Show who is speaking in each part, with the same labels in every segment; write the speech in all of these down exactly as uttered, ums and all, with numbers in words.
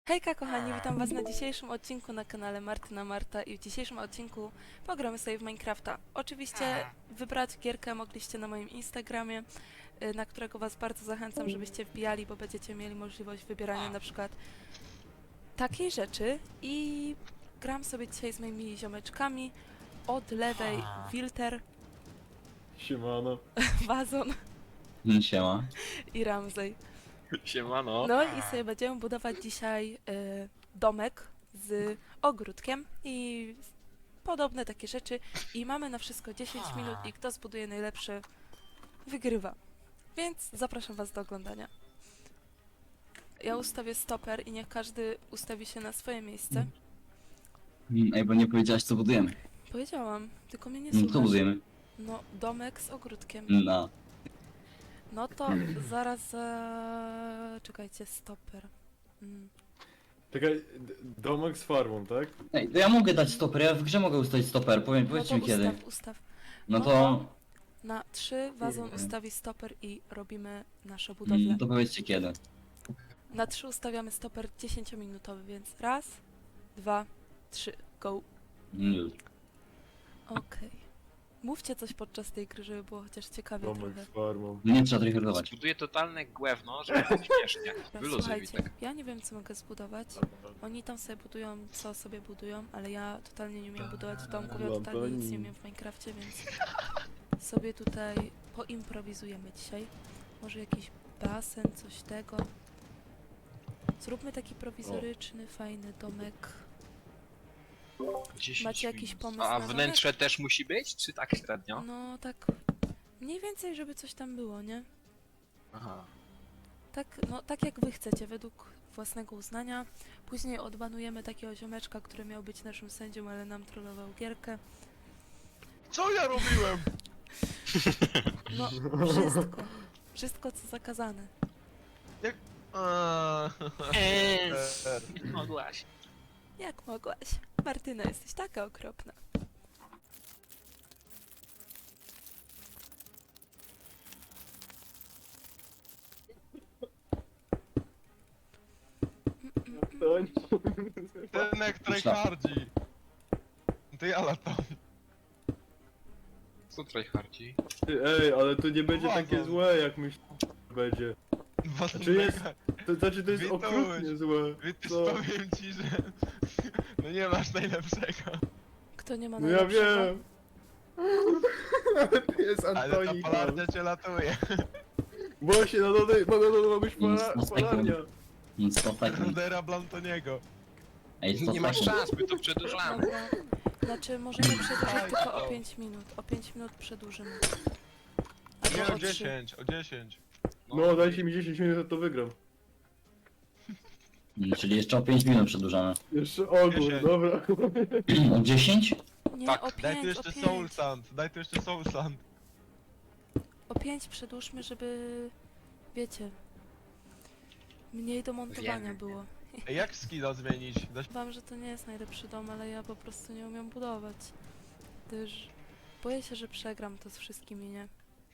Speaker 1: Hejka kochani, witam was na dzisiejszym odcinku na kanale Martyna Marta i w dzisiejszym odcinku pogramy sobie w Minecrafta. Oczywiście wybrać gierkę mogliście na moim Instagramie, y, na którego was bardzo zachęcam, żebyście wbijali, bo będziecie mieli możliwość wybierania na przykład takiej rzeczy i gram sobie dzisiaj z moimi ziomeczkami. Od lewej Wilter,
Speaker 2: Siemano.
Speaker 1: Wazon
Speaker 3: Siema.
Speaker 1: i Ramsey.
Speaker 2: Siemano.
Speaker 1: No i sobie będziemy budować dzisiaj y, domek z ogródkiem i podobne takie rzeczy. I mamy na wszystko dziesięć minut i kto zbuduje najlepszy, wygrywa. Więc zapraszam was do oglądania. Ja ustawię stoper i niech każdy ustawi się na swoje miejsce.
Speaker 3: Mm, Ej, bo nie powiedziałaś co budujemy.
Speaker 1: Powiedziałam, tylko mnie nie
Speaker 3: Mm, Co
Speaker 1: słuchasz.
Speaker 3: budujemy?
Speaker 1: No, domek z ogródkiem.
Speaker 3: No.
Speaker 1: No to zaraz... Za... Czekajcie, stoper. Mm.
Speaker 2: Czekaj, d- domek z farmą, tak?
Speaker 3: Ej, to ja mogę dać stoper, ja w grze mogę ustawić stoper, powiem,
Speaker 1: No to
Speaker 3: powiedzcie mi kiedy.
Speaker 1: ustaw, ustaw.
Speaker 3: No
Speaker 1: no
Speaker 3: to...
Speaker 1: to- Na trzy wazon
Speaker 3: Kurde.
Speaker 1: ustawi stoper i robimy naszą budowlę.
Speaker 3: Mm, to powiedzcie kiedy.
Speaker 1: Na trzy ustawiamy stoper dziesięciominutowy, więc raz, dwa, trzy, go.
Speaker 3: Mm, już.
Speaker 1: Okej. Mówcie coś podczas tej gry, żeby było chociaż ciekawie
Speaker 2: Domek
Speaker 1: trochę.
Speaker 2: z farmą.
Speaker 3: Nie trzeba tryhardować.
Speaker 4: Zbuduję totalne głewno, żeby było śmiesznie.
Speaker 1: Dobra,
Speaker 4: Wyluzuj,
Speaker 1: słuchajcie,
Speaker 4: Witek.
Speaker 1: ja nie wiem co mogę zbudować. Oni tam sobie budują, co sobie budują, ale ja totalnie nie umiem budować w domku, ja totalnie nic nie umiem w Minecrafcie, więc sobie tutaj poimprowizujemy dzisiaj. Może jakiś basen, coś tego. Zróbmy taki prowizoryczny, fajny domek.
Speaker 4: dziesięć
Speaker 1: Macie jakiś
Speaker 4: minut.
Speaker 1: pomysł
Speaker 4: A
Speaker 1: na
Speaker 4: wnętrze też musi być, czy tak średnio?
Speaker 1: No tak mniej więcej, żeby coś tam było, nie?
Speaker 4: Aha.
Speaker 1: Tak, no, tak jak wy chcecie, według własnego uznania. Później odbanujemy takiego ziomeczka, który miał być naszym sędzią, ale nam trollował gierkę.
Speaker 5: Co ja robiłem?
Speaker 1: No, wszystko. Wszystko, co zakazane.
Speaker 5: Eee,
Speaker 4: Eee, nie mogłaś.
Speaker 1: Jak mogłaś? Martyna, jesteś taka okropna.
Speaker 5: Ten jak tryhardzi. To ja latam.
Speaker 4: Co tryhardzi?
Speaker 2: Ty, ej, ale to nie będzie
Speaker 5: Wazon.
Speaker 2: takie złe, jak myślę, że będzie. Znaczy jest- To znaczy, to jest
Speaker 5: Wituś.
Speaker 2: okrutnie złe.
Speaker 5: Wiesz,
Speaker 2: Co?
Speaker 5: powiem ci, że... No nie masz najlepszego.
Speaker 1: Kto nie ma
Speaker 2: No ja
Speaker 1: najlepszego?
Speaker 2: wiem. Ale to jest
Speaker 5: Ale ta
Speaker 2: Antonik.
Speaker 5: palarnia cię latuje.
Speaker 2: Właśnie, na dole, na dole ma być
Speaker 3: Nic,
Speaker 2: pala-
Speaker 3: no,
Speaker 2: palarnia.
Speaker 3: Nic, sto sekund.
Speaker 5: Rudera Blantoniego.
Speaker 3: Ej, sto
Speaker 4: Nie masz
Speaker 3: sekund.
Speaker 4: szans, my to przedłużamy.
Speaker 1: Dobra. Znaczy, możemy przedłużyć
Speaker 5: Aj,
Speaker 1: tylko
Speaker 5: to.
Speaker 1: o pięć minut. O pięć minut przedłużymy.
Speaker 5: Nie,
Speaker 1: Albo
Speaker 5: o
Speaker 1: o trzy.
Speaker 5: dziesięć, o dziesięć.
Speaker 2: No, dajcie mi dziesięć minut, to wygram.
Speaker 3: Mm, Czyli jeszcze o pięć minut przedłużamy.
Speaker 2: Jeszcze ogór,
Speaker 5: dziesięć.
Speaker 2: dobra.
Speaker 3: O dziesięć?
Speaker 1: Nie,
Speaker 4: Tak.
Speaker 1: o
Speaker 5: Daj tu
Speaker 1: pięć, o
Speaker 5: jeszcze Soul
Speaker 1: pięć.
Speaker 5: Sand, daj tu jeszcze Soul Sand.
Speaker 1: O pięć przedłużmy, żeby... Wiecie... Mniej do montowania
Speaker 4: Wiemy.
Speaker 1: było.
Speaker 5: Ej, jak skilla zmienić? Da się...
Speaker 1: Wam, że to nie jest najlepszy dom, ale ja po prostu nie umiem budować. Gdyż boję się, że przegram to z wszystkimi, nie?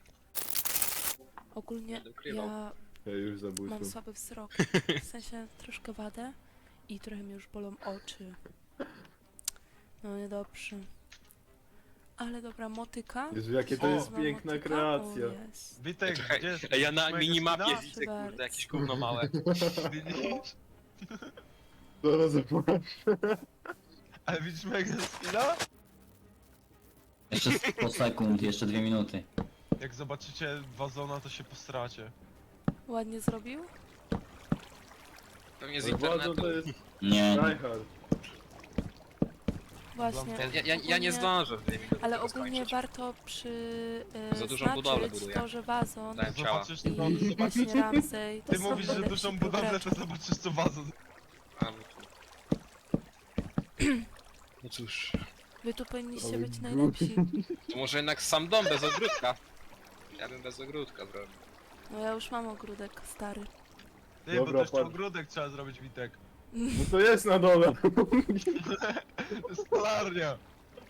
Speaker 1: Ogólnie
Speaker 4: Będę ukrywał.
Speaker 1: ja
Speaker 2: Ja już
Speaker 1: mam
Speaker 2: zabójstwo.
Speaker 1: słaby wzrok, w sensie troszkę wadę i trochę mi już bolą oczy. No niedobrze. Ale dobra, motyka.
Speaker 2: Jezu, jakie to
Speaker 5: O,
Speaker 2: jest
Speaker 1: Wezmę
Speaker 2: piękna
Speaker 1: motyka.
Speaker 2: kreacja.
Speaker 1: O, jest.
Speaker 5: Witek,
Speaker 4: Czekaj,
Speaker 5: gdzie jest...
Speaker 4: Ej, ja na
Speaker 5: mojego
Speaker 4: minimapie
Speaker 5: skina?
Speaker 4: widzę,
Speaker 1: Proszę
Speaker 4: kurde, jakieś gówno małe.
Speaker 5: Widzisz?
Speaker 2: Zaraz zobaczę.
Speaker 5: Ale widzisz mojego skilla?
Speaker 3: Jeszcze sto sekund, jeszcze dwie minuty.
Speaker 5: Jak zobaczycie wazona, to się postracie.
Speaker 1: Ładnie zrobił?
Speaker 4: Pewnie z
Speaker 2: Ale Władzą
Speaker 4: internetu.
Speaker 2: to jest
Speaker 3: Nie,
Speaker 2: tryhard.
Speaker 1: Właśnie.
Speaker 4: Ja, ja, ja, ja nie
Speaker 1: Ogólnie-
Speaker 4: zdążę w dwie minuty
Speaker 1: Ale
Speaker 4: tego
Speaker 1: ogólnie
Speaker 4: skończyć.
Speaker 1: warto przy
Speaker 4: Za dużą
Speaker 1: yy,
Speaker 4: budowlę
Speaker 1: znaczyć
Speaker 4: buduję.
Speaker 1: to, że wazon
Speaker 4: Dałem ciała.
Speaker 5: Zobaczysz to,
Speaker 1: i
Speaker 5: zobaczysz...
Speaker 1: właśnie Ramsey to
Speaker 5: Ty
Speaker 1: są
Speaker 5: mówisz, że
Speaker 1: najlepsi
Speaker 5: dużą budowlę,
Speaker 1: gracze.
Speaker 5: to zobaczysz co wazon.
Speaker 4: A, no to- No cóż,
Speaker 1: Wy tu powinniście
Speaker 2: Ale
Speaker 1: być
Speaker 2: gó-
Speaker 1: najlepsi.
Speaker 4: to może jednak sam dom bez ogródka. Ja bym bez ogródka zrobił.
Speaker 1: No ja już mam ogródek stary.
Speaker 5: Ty,
Speaker 2: Dobra,
Speaker 5: bo też
Speaker 2: patrz.
Speaker 5: ogródek trzeba zrobić, Witek.
Speaker 2: No to jest na dole.
Speaker 5: To jest palarnia.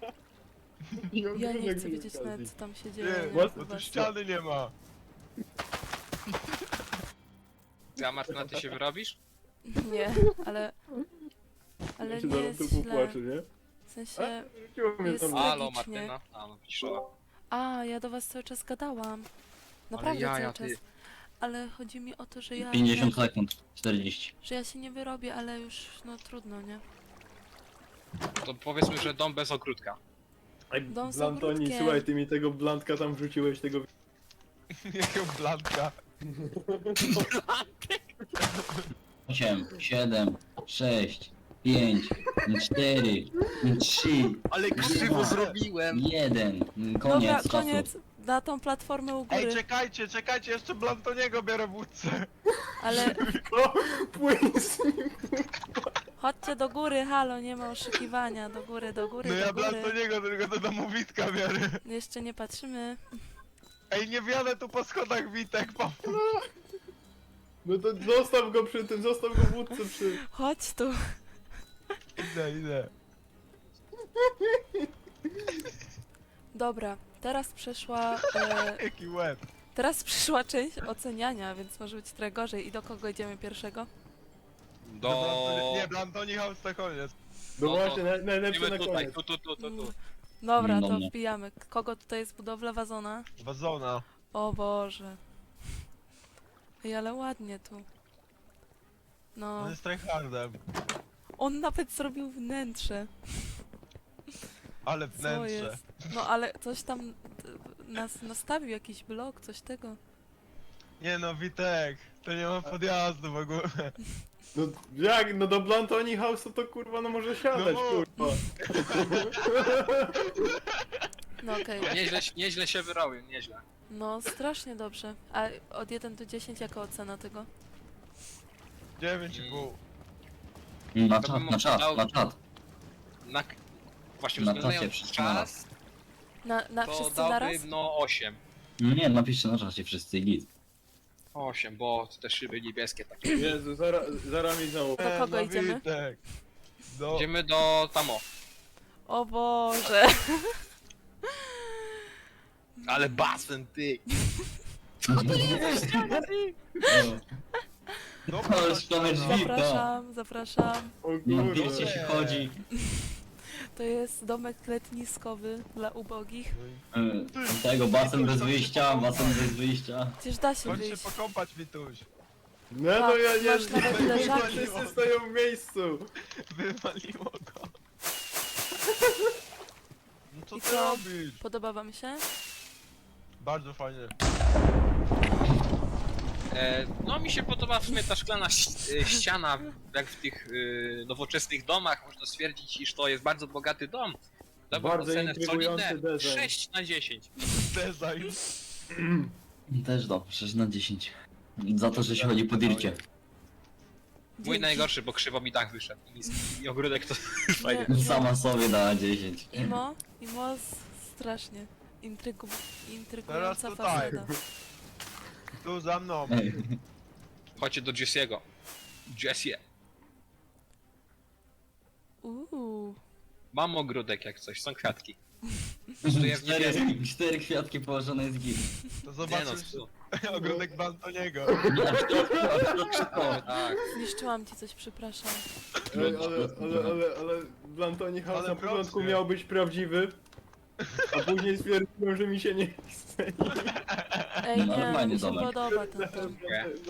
Speaker 1: Ja nie chcę wiedzieć nawet co tam się dzieje.
Speaker 5: Nie,
Speaker 1: nie?
Speaker 5: bo tu
Speaker 1: Zobaczcie.
Speaker 5: ściany nie ma.
Speaker 4: Ty, a Martyna, ty się wyrobisz?
Speaker 1: Nie, ale... Ale
Speaker 2: Ja się
Speaker 1: nie
Speaker 2: zaraz
Speaker 1: jest
Speaker 2: tu
Speaker 1: źle.
Speaker 2: popłaczę, nie?
Speaker 1: W sensie...
Speaker 2: Rzuciło mnie
Speaker 1: Jest
Speaker 2: tam.
Speaker 1: tak-
Speaker 4: Halo
Speaker 1: tragicznie.
Speaker 4: Martyna. A no pisze.
Speaker 1: A, ja do was cały czas gadałam. Naprawdę
Speaker 4: ja, ja,
Speaker 1: cały
Speaker 4: ty.
Speaker 1: czas. Ale chodzi mi o to, że ja...
Speaker 3: pięćdziesiąt sekund. czterdzieści.
Speaker 1: Że ja się nie wyrobię, ale już, no trudno, nie?
Speaker 4: To powiedzmy, że dom bez ogródka.
Speaker 2: Ej,
Speaker 1: Dom z
Speaker 2: Blantoni,
Speaker 1: ogródkiem.
Speaker 2: słuchaj, ty mi tego blantka tam wrzuciłeś, tego...
Speaker 5: Jaką blanka.
Speaker 3: osiem, siedem, sześć, pięć, cztery, trzy,
Speaker 4: Ale
Speaker 3: krzywo
Speaker 4: zrobiłem!
Speaker 3: jeden.
Speaker 1: Dobra,
Speaker 3: Koniec czasu.
Speaker 1: koniec. Na tą platformę u
Speaker 5: Ej,
Speaker 1: góry.
Speaker 5: czekajcie, czekajcie, jeszcze Blantoniego biorę w łódce.
Speaker 1: Ale
Speaker 2: O, płyń z nim.
Speaker 1: chodźcie do góry, halo, nie ma oszukiwania. Do góry, do góry,
Speaker 5: No ja
Speaker 1: do góry.
Speaker 5: Blantoniego tylko do domu Witka biorę.
Speaker 1: Jeszcze nie patrzymy.
Speaker 5: Ej, nie wjadę tu po schodach, Witek, po...
Speaker 2: No to zostaw go przy tym, zostaw go w łódce przy...
Speaker 1: Chodź tu.
Speaker 5: Idę, idę.
Speaker 1: Dobra, teraz przeszła... E,
Speaker 5: Jaki łeb.
Speaker 1: teraz przyszła część oceniania, więc może być trochę gorzej. I do kogo idziemy pierwszego?
Speaker 5: Do...
Speaker 4: Do...
Speaker 5: Blantoni... Nie, Blantoni House to koniec.
Speaker 2: No
Speaker 4: No to
Speaker 2: właśnie, naj, najlepsze na
Speaker 4: Idziemy tutaj,
Speaker 2: koniec.
Speaker 4: tu, tu, tu, tu, tu.
Speaker 1: Dobra,
Speaker 3: Do
Speaker 1: to
Speaker 3: mnie.
Speaker 1: wbijamy. Kogo tutaj jest budowla wazona?
Speaker 5: Wazona.
Speaker 1: O Boże. Ej, ale ładnie tu. No,
Speaker 5: On jest tryhardem.
Speaker 1: on nawet zrobił wnętrze.
Speaker 5: Ale
Speaker 1: Co
Speaker 5: wnętrze.
Speaker 1: jest? No ale coś tam t- nas nastawił, jakiś blok, coś tego.
Speaker 5: Nie no, Witek, to nie ma podjazdu w ogóle.
Speaker 2: No jak, no do Blantoni House to, to kurwa, no może siadać,
Speaker 5: No.
Speaker 2: kurwa.
Speaker 1: No okej.
Speaker 4: Nieźle, nieźle się wyrobił, nieźle.
Speaker 1: No strasznie dobrze. A od jeden do dziesięciu jaka ocena tego?
Speaker 5: dziewięć i pół.
Speaker 3: Na
Speaker 4: To
Speaker 3: czat,
Speaker 4: bym
Speaker 3: na czat,
Speaker 4: dał-
Speaker 3: na czat.
Speaker 4: Na... Właśnie
Speaker 3: Na
Speaker 4: uwzględniając
Speaker 3: czasie wszyscy naraz.
Speaker 4: czas,
Speaker 1: Na, na
Speaker 4: to
Speaker 1: wszyscy
Speaker 4: dałbym
Speaker 1: naraz?
Speaker 4: no osiem.
Speaker 3: No nie, napiszcie na czacie wszyscy git.
Speaker 4: osiem, bo te szyby niebieskie takie.
Speaker 2: Jezu, zaraz, zaraz mi znowu.
Speaker 1: Do
Speaker 5: E,
Speaker 1: kogo
Speaker 5: no,
Speaker 1: idziemy?
Speaker 5: Witek. Do...
Speaker 4: Idziemy do Tamo.
Speaker 1: O Boże.
Speaker 4: Ale basen, ty!
Speaker 5: Dobra,
Speaker 3: Ale szklane drzwi, tak.
Speaker 1: Zapraszam, zapraszam.
Speaker 2: O
Speaker 3: Na
Speaker 2: kurwa.
Speaker 3: pieście się chodzi.
Speaker 1: To jest domek letniskowy dla ubogich.
Speaker 3: E, Tego, basen bez wyjścia, basen bez wyjścia.
Speaker 1: Przecież da się
Speaker 5: Chodź się
Speaker 1: wyjść.
Speaker 5: pokąpać, Wituś.
Speaker 2: No to ja nie...
Speaker 1: Masz nawet leżaki.
Speaker 2: Wszyscy stoją w miejscu.
Speaker 5: Wywaliło go. No co
Speaker 1: I
Speaker 5: ty
Speaker 1: co?
Speaker 5: robisz?
Speaker 1: Podoba wam się?
Speaker 5: Bardzo fajnie.
Speaker 4: E, no mi się podoba w sumie ta szklana ś- e, ściana, jak w tych e, nowoczesnych domach. Można stwierdzić, iż to jest bardzo bogaty dom. Dałbym
Speaker 2: Bardzo
Speaker 4: ocenę
Speaker 2: intrygujący
Speaker 4: solidne
Speaker 2: design.
Speaker 4: sześć na dziesięć.
Speaker 5: Design.
Speaker 3: Też dobrze, sześć na dziesięć. Za to, że się chodzi po dircie.
Speaker 4: Mój
Speaker 1: Dzięki.
Speaker 4: najgorszy, bo krzywo mi dach wyszedł. I, niski. I ogródek to fajnie.
Speaker 1: Nie.
Speaker 3: Sama sobie dała dziesięć.
Speaker 1: Imo, Imo s- strasznie. Intrygu, intrygująca
Speaker 5: Teraz tutaj.
Speaker 1: faceta.
Speaker 5: Tu za mną.
Speaker 3: Ej,
Speaker 4: Chodźcie do Jesse'ego. Jessie.
Speaker 1: Uuu.
Speaker 4: Mam ogródek jak coś, są kwiatki. Tu jest
Speaker 3: Cztery,
Speaker 4: niebieskie.
Speaker 3: cztery kwiatki położone jest git.
Speaker 5: To
Speaker 4: Nie no,
Speaker 5: zobaczysz
Speaker 4: su-
Speaker 5: ogródek Blantoniego.
Speaker 3: Nie, aż to, aż to
Speaker 4: tak, tak.
Speaker 1: Zniszczyłam ci coś, przepraszam.
Speaker 2: Ej, ale, ale, ale, ale Blantoni House
Speaker 5: Ale
Speaker 2: na początku
Speaker 5: proszę.
Speaker 2: miał być prawdziwy, a później stwierdziłem, że mi się nie chce.
Speaker 1: Ej,
Speaker 3: No, ale
Speaker 1: nie,
Speaker 3: fajny
Speaker 1: mi się
Speaker 3: domek.
Speaker 1: podoba ten dom.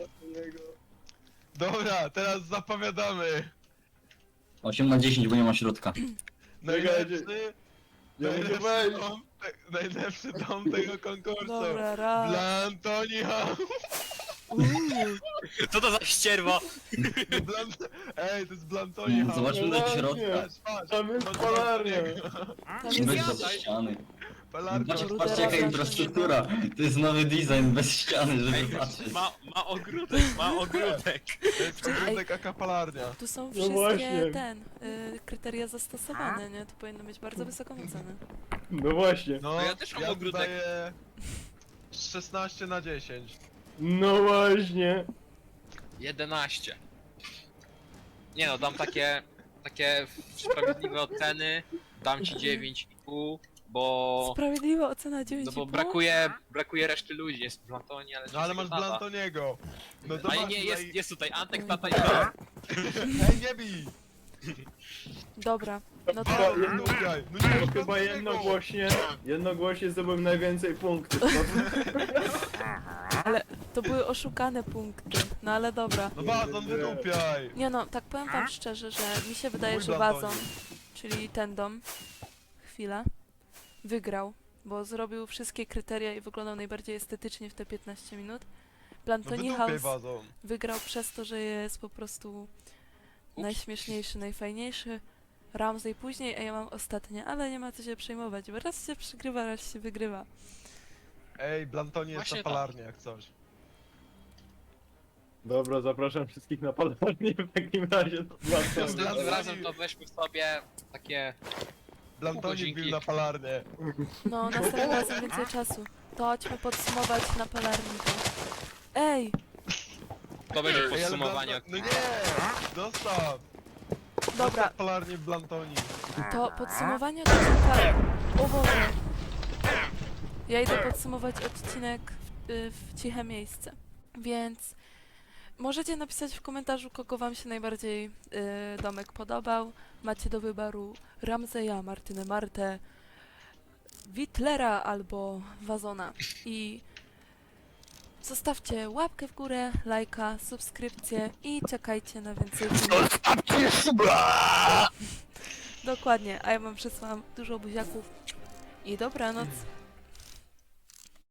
Speaker 5: Dobra, teraz zapowiadamy.
Speaker 3: osiem na dziesięć, bo nie ma środka.
Speaker 5: Najlepszy,
Speaker 2: Ja muszę
Speaker 5: najlepszy,
Speaker 2: wejść.
Speaker 5: dom, te, najlepszy dom tego konkursu.
Speaker 1: Dobra, raz.
Speaker 5: Blantoni House.
Speaker 1: Uuu.
Speaker 4: Co to za ścierwo?
Speaker 5: Blant... Ej, to jest Blantoni House.
Speaker 3: Zobaczmy do
Speaker 2: Właśnie.
Speaker 3: środka.
Speaker 5: Patrz, patrz.
Speaker 2: Tam jest
Speaker 5: Chodź,
Speaker 2: palarnia.
Speaker 1: Tam
Speaker 3: Weź
Speaker 1: jest...
Speaker 3: do ściany.
Speaker 5: Palarnia.
Speaker 3: Patrzcie,
Speaker 1: Rudera
Speaker 3: patrzcie jaka
Speaker 1: zacznie.
Speaker 3: infrastruktura. To jest nowy design bez ściany, żeby
Speaker 4: Ej,
Speaker 3: patrzeć.
Speaker 4: ma, ma ogródek, ma ogródek.
Speaker 5: To jest ogródek aka palarnia.
Speaker 1: Tu są
Speaker 2: No
Speaker 1: wszystkie
Speaker 2: właśnie.
Speaker 1: ten, y, kryteria zastosowane, nie? To powinno mieć bardzo wysoką ocenę.
Speaker 2: No właśnie.
Speaker 5: No,
Speaker 4: No ja też mam
Speaker 5: ja
Speaker 4: ogródek.
Speaker 5: daję szesnaście na dziesięć.
Speaker 2: No właśnie.
Speaker 4: jedenaście. Nie no, dam takie, takie sprawiedliwe oceny. Dam ci dziewięć i pół, bo...
Speaker 1: Sprawiedliwa ocena dziewięć
Speaker 4: No
Speaker 1: i
Speaker 4: bo
Speaker 1: pół?
Speaker 4: brakuje, brakuje reszty ludzi, jest Blantoni, ale...
Speaker 5: No ale masz
Speaker 4: tata.
Speaker 5: Blantoniego. No to
Speaker 4: Ale
Speaker 5: masz
Speaker 4: nie,
Speaker 5: tutaj-
Speaker 4: jest, jest tutaj Antek, tata i Dom.
Speaker 5: Ej, nie bij!
Speaker 1: Dobra, no to
Speaker 5: Bardzo nie upiaj! No nie,
Speaker 2: To
Speaker 5: no
Speaker 2: chyba
Speaker 5: to
Speaker 2: jednogłośnie, jednogłośnie zdobyłem najwięcej punktów. No,
Speaker 1: ale to były oszukane punkty. No ale dobra.
Speaker 5: No wazon, wydupiaj!
Speaker 1: Nie no, tak powiem wam szczerze, że mi się wydaje,
Speaker 5: Mój
Speaker 1: że
Speaker 5: Blantoni.
Speaker 1: Wazon, czyli ten dom, chwila, wygrał, bo zrobił wszystkie kryteria i wyglądał najbardziej estetycznie w te piętnaście minut.
Speaker 5: No
Speaker 1: Plantoni
Speaker 5: wydupiaj
Speaker 1: House
Speaker 5: wazon!
Speaker 1: wygrał przez to, że jest po prostu najśmieszniejszy, najfajniejszy. Ramsey później, a ja mam ostatnie, ale nie ma co się przejmować, bo raz się przegrywa, raz się wygrywa.
Speaker 5: Ej, Blantoni jest
Speaker 4: Właśnie
Speaker 5: na
Speaker 4: tak.
Speaker 5: palarni jak coś.
Speaker 2: dobra, zapraszam wszystkich na palarnię w takim razie.
Speaker 4: Następnym razem to weźmy sobie takie...
Speaker 5: Blantoni
Speaker 4: godzinki.
Speaker 5: wbił na palarnię.
Speaker 1: No, następnym razem więcej czasu. To chodźmy podsumować na palarniku. Ej,
Speaker 4: To będzie
Speaker 5: Ej, ale
Speaker 4: podsumowanie.
Speaker 5: Blanto- No nie! Dostaw!
Speaker 1: dobra,
Speaker 5: Dostaw palarnię w Blantoni.
Speaker 1: to podsumowanie odcinka... O Boże. Ja idę podsumować odcinek w, y, w ciche miejsce. Więc możecie napisać w komentarzu, kogo wam się najbardziej y, domek podobał. Macie do wyboru Ramseya, Martynę Martę, Witlera albo Wazona. I zostawcie łapkę w górę, lajka, subskrypcję i czekajcie na więcej filmów. Dokładnie, a ja wam przysłałam dużo buziaków i dobranoc.